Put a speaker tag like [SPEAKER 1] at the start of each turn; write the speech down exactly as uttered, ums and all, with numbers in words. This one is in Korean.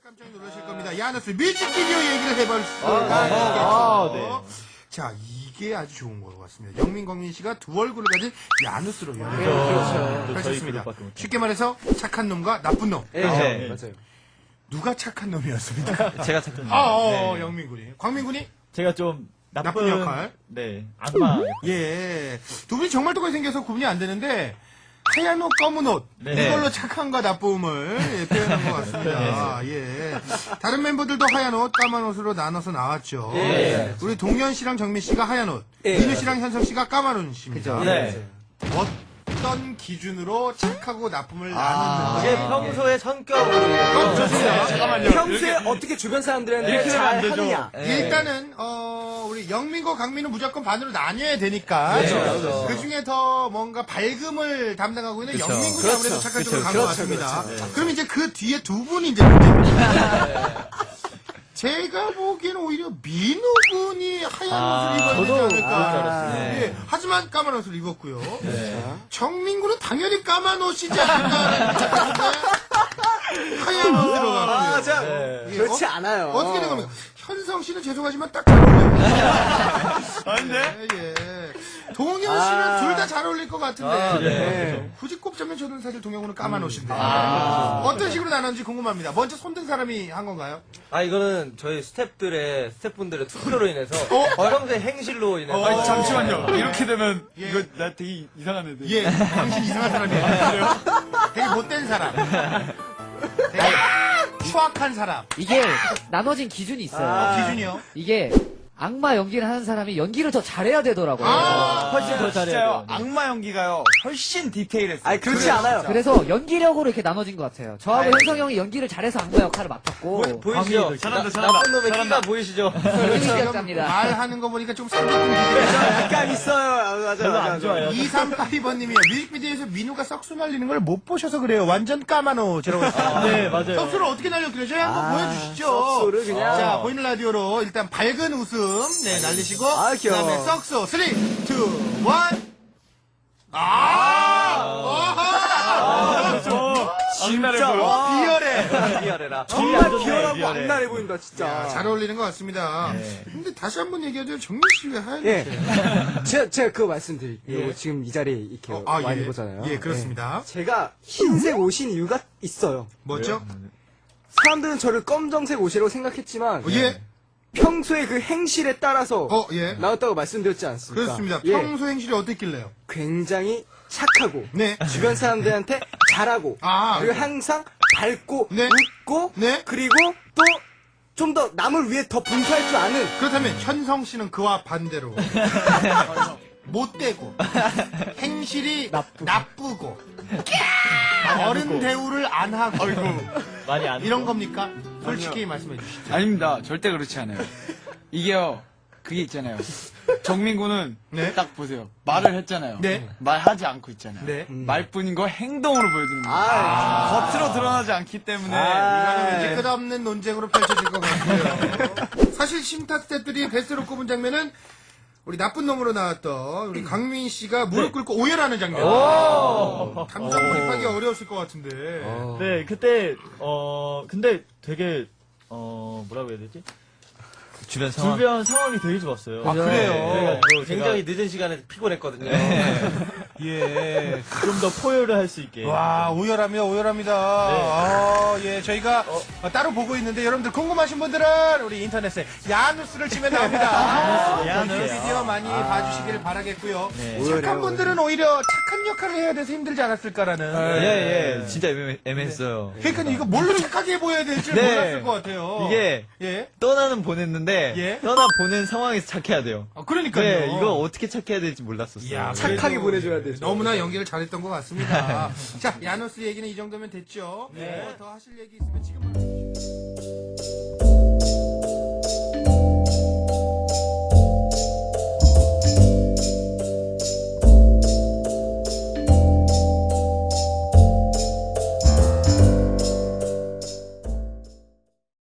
[SPEAKER 1] 깜짝 놀라실 겁니다. 야너스 뮤직비디오 얘기를 해볼 수가
[SPEAKER 2] 아,
[SPEAKER 1] 있겠죠.
[SPEAKER 2] 아, 네.
[SPEAKER 1] 자, 이게 아주 좋은 것 같습니다. 영민광민 씨가 두 얼굴을 가진 야누스로 연기를
[SPEAKER 2] 그렇죠.
[SPEAKER 1] 하셨습니다.
[SPEAKER 2] 저희 그룹밖에
[SPEAKER 1] 쉽게 말해서 착한 놈과 나쁜 놈.
[SPEAKER 3] 네,
[SPEAKER 2] 네.
[SPEAKER 3] 맞아요.
[SPEAKER 1] 누가 착한 놈이었습니까?
[SPEAKER 2] 제가 착한
[SPEAKER 1] 아, 어,
[SPEAKER 2] 네.
[SPEAKER 1] 영민군이. 광민군이?
[SPEAKER 2] 제가 좀 나쁜,
[SPEAKER 1] 나쁜 역할?
[SPEAKER 2] 네. 악마.
[SPEAKER 1] 예. 두 분이 정말 똑같이 생겨서 구분이 안 되는데, 하얀 옷, 검은 옷.
[SPEAKER 2] 네.
[SPEAKER 1] 이걸로 착함과 나쁨을 예, 표현한 것 같습니다. 예. 다른 멤버들도 하얀 옷, 까만 옷으로 나눠서 나왔죠.
[SPEAKER 3] 예.
[SPEAKER 1] 우리 동현 씨랑 정민 씨가 하얀 옷,
[SPEAKER 3] 예.
[SPEAKER 1] 민우 씨랑 현성 씨가 까만 옷입니다.
[SPEAKER 3] 그죠.
[SPEAKER 2] 네.
[SPEAKER 1] 어떤 기준으로 착하고 나쁨을
[SPEAKER 3] 아,
[SPEAKER 1] 나누는지.
[SPEAKER 4] 이게 평소의 성격으로
[SPEAKER 1] 어, 좋습니다.
[SPEAKER 3] 평소에 어떻게 주변 사람들한테
[SPEAKER 2] 이렇게 하면 안
[SPEAKER 3] 잘
[SPEAKER 2] 되죠.
[SPEAKER 3] 하느냐.
[SPEAKER 1] 일단은 어 우리 영민과 강민은 무조건 반으로 나뉘어야 되니까
[SPEAKER 3] 그렇죠.
[SPEAKER 1] 그 중에 더 뭔가 밝음을 담당하고 있는
[SPEAKER 2] 그렇죠.
[SPEAKER 1] 영민군이
[SPEAKER 3] 그렇죠.
[SPEAKER 1] 아무래도 착한 쪽으로
[SPEAKER 3] 그렇죠.
[SPEAKER 1] 간 것
[SPEAKER 3] 그렇죠.
[SPEAKER 1] 같습니다.
[SPEAKER 3] 그렇죠.
[SPEAKER 1] 그럼 이제 그 뒤에 두 분이 이제 문제입니다. 제가 보기에는 오히려 민우군이 하얀
[SPEAKER 2] 아,
[SPEAKER 1] 옷을 입어야 되지
[SPEAKER 2] 저도
[SPEAKER 1] 않을까.
[SPEAKER 2] 그럴 줄 알았어요.
[SPEAKER 1] 예, 하지만 까만 옷을 입었고요. 정민군은 당연히 까만 옷이지 않을까. 하얀 옷으로 가고요.
[SPEAKER 3] 아, 자,
[SPEAKER 2] 네.
[SPEAKER 1] 예,
[SPEAKER 3] 그렇지
[SPEAKER 1] 어?
[SPEAKER 3] 않아요.
[SPEAKER 1] 어떻게 된 겁니까? 현성 씨는 죄송하지만 딱 잘 어울려요.
[SPEAKER 2] 아닌데?
[SPEAKER 1] 예, 예. 동현 씨는
[SPEAKER 3] 아.
[SPEAKER 1] 둘 다 잘 어울릴 것 같은데.
[SPEAKER 2] 아, 네.
[SPEAKER 3] 네.
[SPEAKER 1] 굳이 꼽자면 저는 사실 동현군은 까만 옷인데.
[SPEAKER 2] 아.
[SPEAKER 1] 어떤 식으로 나눴는지 궁금합니다. 먼저 손든 사람이 한 건가요?
[SPEAKER 4] 아 이거는 저희 스태프들의 스태프분들의 투표로 인해서
[SPEAKER 1] 어?
[SPEAKER 4] 평소의 행실로 인해서
[SPEAKER 1] 어. 아니,
[SPEAKER 5] 잠시만요. 이렇게 되면
[SPEAKER 1] 예.
[SPEAKER 5] 이거 나 되게 이상한 애들.
[SPEAKER 1] 예, 당신 이상한 사람이에요. 되게 못된 사람. 되게 추악한 사람.
[SPEAKER 6] 이게 나눠진 기준이 있어요.
[SPEAKER 1] 어, 기준이요?
[SPEAKER 6] 이게 악마 연기를 하는 사람이 연기를 더 잘해야 되더라고요.
[SPEAKER 1] 아,
[SPEAKER 2] 훨씬 더 잘해야
[SPEAKER 5] 진짜요.
[SPEAKER 2] 돼요.
[SPEAKER 5] 악마 연기가요. 훨씬 디테일했어요.
[SPEAKER 3] 아니, 그렇지 않아요.
[SPEAKER 6] 그래서 연기력으로 이렇게 나눠진 것 같아요. 저하고
[SPEAKER 4] 아이.
[SPEAKER 6] 현성 형이 연기를 잘해서 악마 역할을 맡았고
[SPEAKER 4] 보, 보이시죠?
[SPEAKER 2] 광민이도
[SPEAKER 5] 잘한다,
[SPEAKER 4] 나-
[SPEAKER 5] 잘한다.
[SPEAKER 4] 나쁜 놈의
[SPEAKER 5] 잘한다.
[SPEAKER 4] 키가 보이시죠?
[SPEAKER 6] 연기력자입니다.
[SPEAKER 1] 말하는 거 보니까 좀 상대품 기준이죠.
[SPEAKER 3] 약간 있어요. 아, 맞아요.
[SPEAKER 2] 별로
[SPEAKER 3] 맞아요.
[SPEAKER 2] 안 좋아요.
[SPEAKER 1] 이삼팔이 번님이요. 뮤직비디오에서 민우가 썩수 날리는 걸 못 보셔서 그래요. 완전 까만 옷이라고 했어요.
[SPEAKER 2] 네, 맞아요.
[SPEAKER 1] 썩수를 어떻게 날렸길래 저희 한번
[SPEAKER 3] 아,
[SPEAKER 1] 보여주시죠.
[SPEAKER 3] 썩수를 그냥.
[SPEAKER 1] 자, 보이는 라디오로 일단 밝은 웃음 네 날리시고
[SPEAKER 3] 아, 귀여워.
[SPEAKER 1] 그다음에 썩수 쓰리, 투, 원. 아! 어허!
[SPEAKER 5] 악랄해
[SPEAKER 3] 진짜,
[SPEAKER 5] 보여.
[SPEAKER 3] 와.
[SPEAKER 1] 비열해.
[SPEAKER 4] 미안해라.
[SPEAKER 3] 정말
[SPEAKER 2] 좋네,
[SPEAKER 3] 비열하고
[SPEAKER 2] 비열해.
[SPEAKER 3] 악랄해 보인다, 진짜.
[SPEAKER 1] 잘 어울리는 것 같습니다.
[SPEAKER 2] 네.
[SPEAKER 1] 근데 다시 한번 얘기하자면 정민 씨 왜 하얀
[SPEAKER 3] 예.
[SPEAKER 1] 옷이에요?
[SPEAKER 3] 제가, 제가 그거 말씀드릴게요.
[SPEAKER 1] 예.
[SPEAKER 3] 지금 이 자리에 이렇게
[SPEAKER 1] 어,
[SPEAKER 3] 와
[SPEAKER 1] 아,
[SPEAKER 3] 있는
[SPEAKER 1] 예.
[SPEAKER 3] 거잖아요.
[SPEAKER 1] 예, 그렇습니다.
[SPEAKER 3] 예. 제가 흰색 옷인 이유가 있어요.
[SPEAKER 1] 뭐죠?
[SPEAKER 3] 사람들은 저를 검정색 옷이라고 생각했지만
[SPEAKER 1] 어, 예.
[SPEAKER 3] 평소에 그 행실에 따라서
[SPEAKER 1] 어, 예.
[SPEAKER 3] 나왔다고 말씀드렸지 않습니까?
[SPEAKER 1] 그렇습니다.
[SPEAKER 3] 예.
[SPEAKER 1] 평소 행실이 어땠길래요?
[SPEAKER 3] 굉장히 착하고
[SPEAKER 1] 네.
[SPEAKER 3] 주변 사람들한테 잘하고
[SPEAKER 1] 아.
[SPEAKER 3] 그리고 항상 밝고
[SPEAKER 1] 네.
[SPEAKER 3] 웃고
[SPEAKER 1] 네.
[SPEAKER 3] 그리고 또 좀 더 남을 위해 더 봉사할 줄 아는
[SPEAKER 1] 그렇다면 현성 씨는 그와 반대로 못되고 행실이 나쁘고, 어른 대우를 안 하고
[SPEAKER 2] 많이 안
[SPEAKER 1] 이런 겁니까? 솔직히 말씀해 주시죠.
[SPEAKER 5] 아닙니다. 절대 그렇지 않아요. 이게요. 그게 있잖아요. 정민구는
[SPEAKER 1] 네.
[SPEAKER 5] 딱 보세요. 말을 했잖아요.
[SPEAKER 1] 네.
[SPEAKER 5] 말하지 않고 있잖아요.
[SPEAKER 1] 네.
[SPEAKER 5] 말뿐인 거 행동으로 보여드립니다.
[SPEAKER 3] 아,
[SPEAKER 5] 겉으로 드러나지 않기 때문에
[SPEAKER 3] 아.
[SPEAKER 1] 이거는 왠지 끝없는 논쟁으로 펼쳐질 것 같고요. 사실 심타 스태프들이 베스트로 꼽은 장면은 우리 나쁜 놈으로 나왔던 우리 강민 씨가 무릎 꿇고 오열하는 장면. 감정 몰입하기 어려웠을 것 같은데.
[SPEAKER 2] 네, 그때, 어, 근데 되게, 어, 뭐라고 해야 되지?
[SPEAKER 4] 주변 상황.
[SPEAKER 2] 주변 상황이 되게 좋았어요.
[SPEAKER 1] 아, 그래요?
[SPEAKER 2] 그래가지고
[SPEAKER 4] 굉장히 늦은 시간에 피곤했거든요.
[SPEAKER 1] 예.
[SPEAKER 2] 좀 더 포효를 할 수 있게.
[SPEAKER 1] 와, 오열합니다, 오열합니다. 아, 예, 저희가 어, 따로 보고 있는데 여러분들 궁금하신 분들은 우리 인터넷에 야누스를 치면 나옵니다.
[SPEAKER 2] 야누스.
[SPEAKER 1] 비디오 많이 봐주시길 바라겠고요.
[SPEAKER 2] 네.
[SPEAKER 1] 착한 분들은 오히려 착한 역할을 해야 돼서 힘들지 않았을까라는.
[SPEAKER 7] 예, 예. 진짜 애매, 애매했어요.
[SPEAKER 1] 그러니까 이거 뭘로 착하게 보여야 될지
[SPEAKER 7] 네.
[SPEAKER 1] 몰랐을 것 같아요.
[SPEAKER 7] 이게
[SPEAKER 1] 예.
[SPEAKER 7] 떠나는 보냈는데
[SPEAKER 1] 예.
[SPEAKER 7] 떠나 보낸 상황에서 착해야 돼요.
[SPEAKER 1] 아, 그러니까요.
[SPEAKER 7] 네, 이거 어떻게 착해야 될지 몰랐었어요.
[SPEAKER 1] 이야,
[SPEAKER 3] 착하게
[SPEAKER 1] 그래도
[SPEAKER 3] 보내줘야 되죠.
[SPEAKER 1] 너무나 연기를 잘했던 것 같습니다. 자, 야누스 얘기는 이 정도면 됐죠. 네. 더 하실 얘기 있으면 지금.